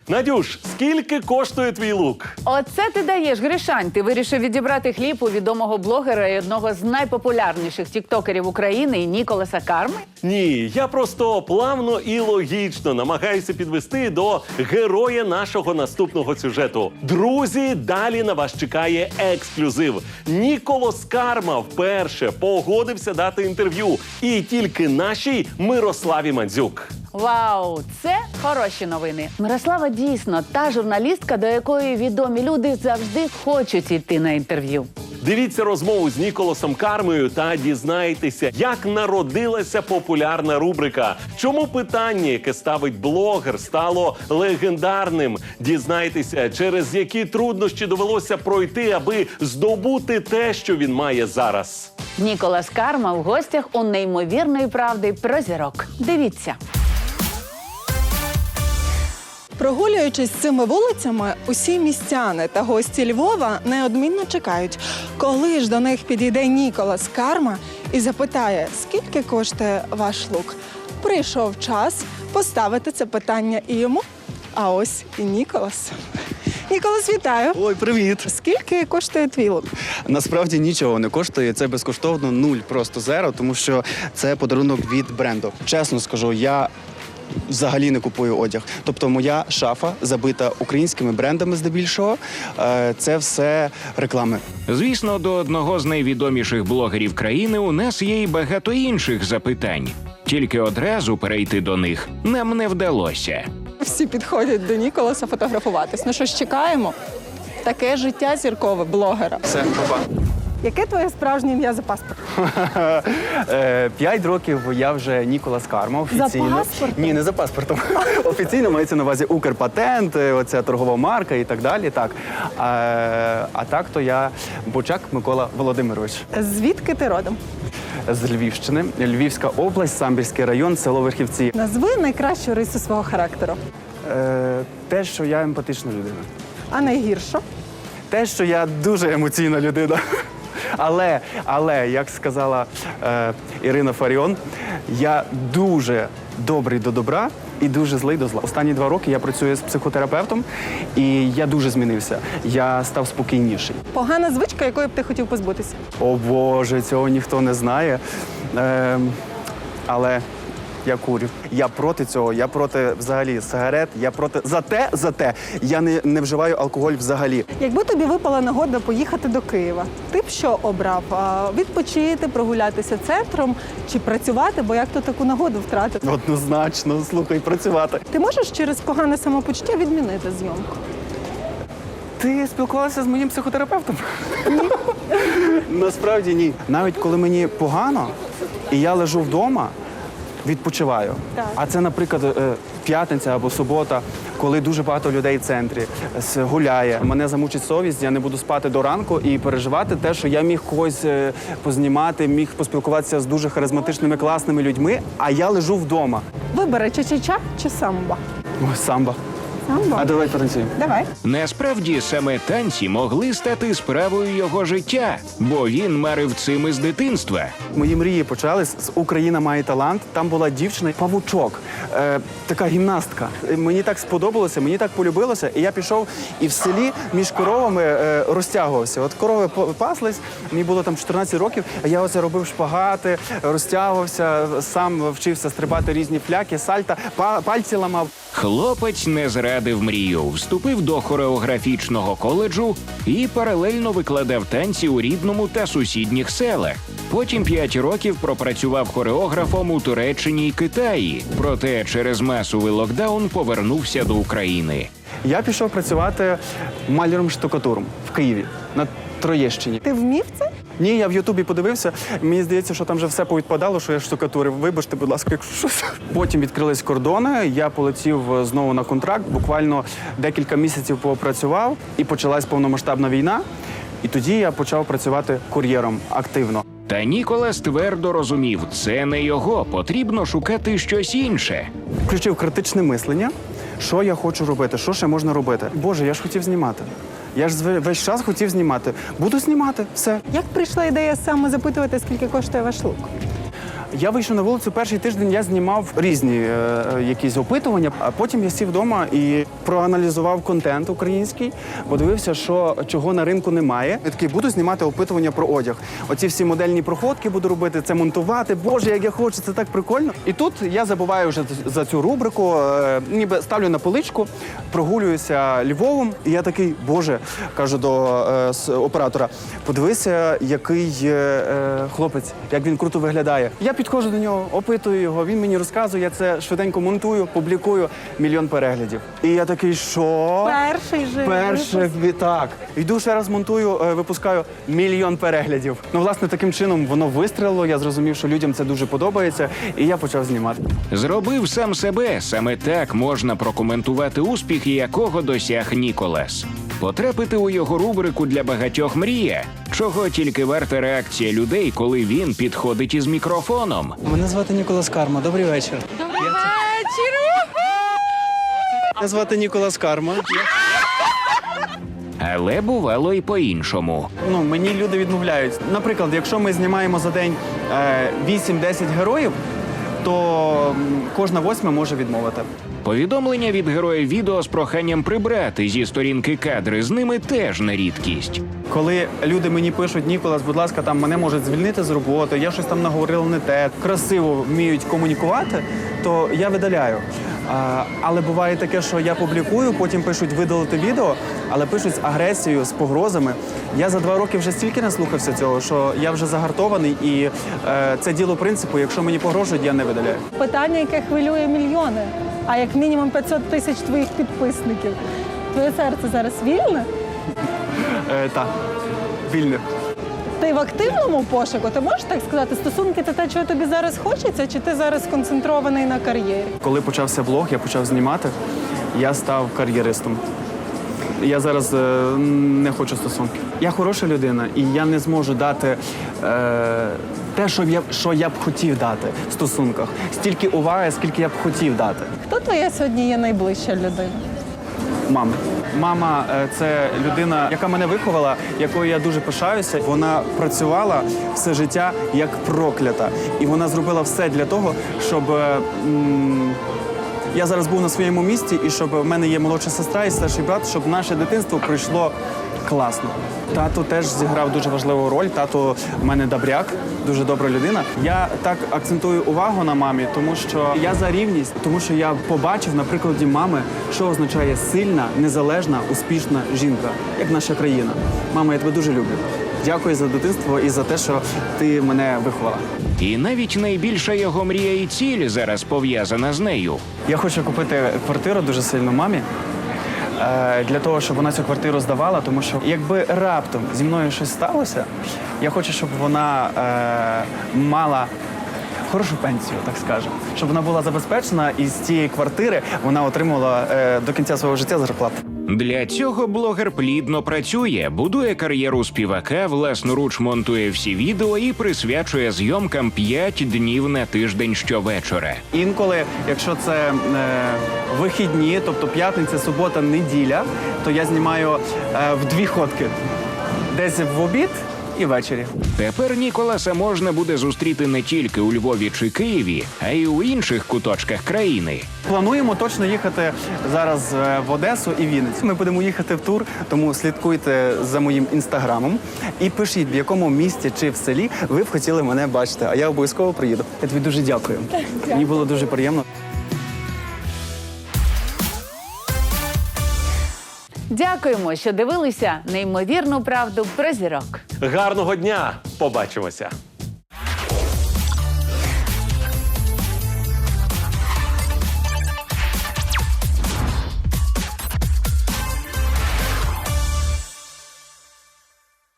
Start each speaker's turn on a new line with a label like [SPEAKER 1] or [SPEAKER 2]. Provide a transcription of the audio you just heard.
[SPEAKER 1] Надюш, скільки коштує твій лук?
[SPEAKER 2] Оце ти даєш, Гришань. Ти вирішив відібрати хліб у відомого блогера і одного з найпопулярніших тіктокерів України Ніколаса Карми?
[SPEAKER 1] Ні, я просто плавно і логічно намагаюся підвести до героя нашого наступного сюжету. Друзі, далі на вас чекає ексклюзив. Ніколас Карма вперше погодився дати інтерв'ю. І тільки нашій Мирославі Мандзюк.
[SPEAKER 2] Вау, це хороші новини. Мирослава дійсно та журналістка, до якої відомі люди завжди хочуть йти на інтерв'ю.
[SPEAKER 1] Дивіться розмову з Ніколасом Кармою та дізнайтеся, як народилася популярна рубрика. Чому питання, яке ставить блогер, стало легендарним? Дізнайтеся, через які труднощі довелося пройти, аби здобути те, що він має зараз.
[SPEAKER 2] Ніколас Карма в гостях у неймовірної правди про зірок. Дивіться.
[SPEAKER 3] Прогулюючись цими вулицями, усі містяни та гості Львова неодмінно чекають, коли ж до них підійде Ніколас Карма і запитає, скільки коштує ваш лук. Прийшов час поставити це питання і йому, а ось і Ніколас. Ніколас, вітаю!
[SPEAKER 4] Ой, привіт!
[SPEAKER 3] Скільки коштує твій лук?
[SPEAKER 4] Насправді нічого не коштує, це безкоштовно, нуль, просто зеро, тому що це подарунок від бренду. Чесно скажу, я взагалі не купую одяг. Тобто моя шафа забита українськими брендами здебільшого. Це все реклами.
[SPEAKER 5] Звісно, до одного з найвідоміших блогерів країни у нас є й багато інших запитань. Тільки одразу перейти до них нам не вдалося.
[SPEAKER 3] Всі підходять до Ніколаса фотографуватись. Ну що ж, чекаємо? Таке життя зіркове блогера.
[SPEAKER 4] Все, папа.
[SPEAKER 3] Яке твоє справжнє ім'я за паспортом?
[SPEAKER 4] 5 років я вже Ніколас Карма офіційно.
[SPEAKER 3] За паспортом?
[SPEAKER 4] Ні, не за паспортом. Офіційно мається на увазі Укрпатент, оця торгова марка і так далі. Так. А так то я Бочак Микола Володимирович.
[SPEAKER 3] Звідки ти родом?
[SPEAKER 4] З Львівщини, Львівська область, Самбірський район, село Верхівці.
[SPEAKER 3] Назви найкращу рису свого характеру.
[SPEAKER 4] Те, що я емпатична людина.
[SPEAKER 3] А найгіршу?
[SPEAKER 4] Те, що я дуже емоційна людина. Але як сказала Ірина Фаріон, я дуже добрий до добра і дуже злий до зла. Останні 2 роки я працюю з психотерапевтом, і я дуже змінився. Я став спокійніший.
[SPEAKER 3] Погана звичка, якої б ти хотів позбутися?
[SPEAKER 4] О Боже, цього ніхто не знає. Але я курю. Я проти цього, я проти взагалі сигарет, я проти... Зате я не вживаю алкоголь взагалі.
[SPEAKER 3] Якби тобі випала нагода поїхати до Києва, ти б що обрав? Відпочити, прогулятися центром чи працювати, бо як то таку нагоду втратити?
[SPEAKER 4] Однозначно, слухай, працювати.
[SPEAKER 3] Ти можеш через погане самопочуття відмінити зйомку?
[SPEAKER 4] Ти спілкувалася з моїм психотерапевтом? Ні. Насправді ні. Навіть коли мені погано, і я лежу вдома, відпочиваю.
[SPEAKER 3] Так.
[SPEAKER 4] А це, наприклад, п'ятниця або субота, коли дуже багато людей в центрі гуляє. Мене замучить совість, я не буду спати до ранку і переживати те, що я міг когось познімати, міг поспілкуватися з дуже харизматичними, класними людьми, а я лежу вдома.
[SPEAKER 3] Вибери ча-ча-ча чи самба?
[SPEAKER 4] Ой, самба.
[SPEAKER 3] Самба.
[SPEAKER 4] А давай потанцюємо.
[SPEAKER 3] Давай.
[SPEAKER 5] Насправді, саме танці могли стати справою його життя, бо він марив цим із дитинства.
[SPEAKER 4] Мої мрії почались з «Україна має талант». Там була дівчина Павучок, така гімнастка. Мені так сподобалося, мені так полюбилося, і я пішов і в селі між коровами розтягувався. От корови паслись, мені було там 14 років, а я оце робив шпагати, розтягувався, сам вчився стрибати різні фляки, сальта, пальці ламав.
[SPEAKER 5] Хлопець не зрадив мрію, вступив до хореографічного коледжу і паралельно викладав танці у рідному та сусідніх селах. Потім 5 років пропрацював хореографом у Туреччині й Китаї. Проте через масовий локдаун повернувся до України.
[SPEAKER 4] Я пішов працювати маляром-штукатуром в Києві, на Троєщині.
[SPEAKER 3] Ти вмів це?
[SPEAKER 4] Ні, я в Ютубі подивився, мені здається, що там вже все повідпадало, що я штукатурив. Вибачте, будь ласка, якщо щось. Потім відкрились кордони, я полетів знову на контракт, буквально декілька місяців попрацював, і почалась повномасштабна війна. І тоді я почав працювати кур'єром активно.
[SPEAKER 5] Та Ніколас твердо розумів, це не його, потрібно шукати щось інше.
[SPEAKER 4] Включив критичне мислення, що я хочу робити, що ще можна робити. Боже, я ж хотів знімати. Я ж весь час хотів знімати. Буду знімати, все.
[SPEAKER 3] Як прийшла ідея саме запитувати, скільки коштує ваш лук?
[SPEAKER 4] Я вийшов на вулицю, перший тиждень я знімав різні якісь опитування, а потім я сів вдома і проаналізував контент український, подивився, чого на ринку немає. Я такий, буду знімати опитування про одяг. Оці всі модельні проходки буду робити, це монтувати. Боже, як я хочу, це так прикольно. І тут я забуваю вже за цю рубрику, ніби ставлю на поличку, прогулююся Львовом, і я такий, боже, кажу до оператора, подивися, який хлопець, як він круто виглядає. Я підходжу до нього, опитую його, він мені розказує, я це швиденько монтую, публікую, 1 мільйон переглядів. І я такий, що? Перший, так. Йду ще раз монтую, випускаю 1 мільйон переглядів. Ну, власне, таким чином воно вистрілило, я зрозумів, що людям це дуже подобається, і я почав знімати.
[SPEAKER 5] Зробив сам себе. Саме так можна прокоментувати успіхи, якого досяг Ніколас. Потрапити у його рубрику для багатьох мрія. Чого тільки варта реакція людей, коли він підходить із мікрофоном.
[SPEAKER 6] Мене звати Ніколас Карма. Добрий вечір. Добрий вечір! Мене звати Ніколас Карма.
[SPEAKER 5] Але бувало і по-іншому.
[SPEAKER 4] Ну, мені люди відмовляють. Наприклад, якщо ми знімаємо за день 8-10 героїв, то кожна 8 може відмовити.
[SPEAKER 5] Повідомлення від героїв відео з проханням прибрати зі сторінки кадри з ними теж не рідкість.
[SPEAKER 4] Коли люди мені пишуть, Ніколас, будь ласка, там мене можуть звільнити з роботи, я щось там наговорила не те, красиво вміють комунікувати, то я видаляю. Але буває таке, що я публікую, потім пишуть видалити відео, але пишуть з агресією, з погрозами. Я за 2 роки вже стільки наслухався цього, що я вже загартований, і це діло принципу, якщо мені погрожують, я не видаляю.
[SPEAKER 3] Питання, яке хвилює мільйони, а як мінімум 500 тисяч твоїх підписників. Твоє серце зараз вільне?
[SPEAKER 4] Так, вільне.
[SPEAKER 3] Ти в активному пошуку? Ти можеш так сказати, стосунки – це те, чого тобі зараз хочеться, чи ти зараз сконцентрований на кар'єрі?
[SPEAKER 4] Коли почався блог, я почав знімати, я став кар'єристом. Я зараз не хочу стосунків. Я хороша людина, і я не зможу дати те, що я б хотів дати в стосунках. Стільки уваги, скільки я б хотів дати.
[SPEAKER 3] Хто твоя сьогодні є найближча людина?
[SPEAKER 4] Мама. Мама – це людина, яка мене виховала, якою я дуже пишаюся. Вона працювала все життя як проклята. І вона зробила все для того, щоб я зараз був на своєму місці, і щоб в мене є молодша сестра і старший брат, щоб наше дитинство пройшло класно. Тато теж зіграв дуже важливу роль. Тато в мене добряк, дуже добра людина. Я так акцентую увагу на мамі, тому що я за рівність, тому що я побачив на прикладі мами, що означає сильна, незалежна, успішна жінка, як наша країна. Мама, я тебе дуже люблю. Дякую за дитинство і за те, що ти мене виховала.
[SPEAKER 5] І навіть найбільша його мрія і ціль зараз пов'язана з нею.
[SPEAKER 4] Я хочу купити квартиру дуже сильно мамі, для того, щоб вона цю квартиру здавала, тому що якби раптом зі мною щось сталося, я хочу, щоб вона мала хорошу пенсію, так скажемо. Щоб вона була забезпечена і з цієї квартири вона отримувала до кінця свого життя зарплату.
[SPEAKER 5] Для цього блогер плідно працює, будує кар'єру співака, власноруч монтує всі відео і присвячує зйомкам 5 днів на тиждень щовечора.
[SPEAKER 4] Інколи, якщо це вихідні, тобто п'ятниця, субота, неділя, то я знімаю в 2 ходки. Десь в обід і ввечері.
[SPEAKER 5] Тепер Ніколаса можна буде зустріти не тільки у Львові чи Києві, а й у інших куточках країни.
[SPEAKER 4] Плануємо точно їхати зараз в Одесу і Вінницю. Ми будемо їхати в тур, тому слідкуйте за моїм інстаграмом і пишіть, в якому місті чи в селі ви б хотіли мене бачити, а я обов'язково приїду. Я тобі дуже дякую. Мені було дуже приємно.
[SPEAKER 2] Дякуємо, що дивилися неймовірну правду про зірок.
[SPEAKER 1] Гарного дня! Побачимося!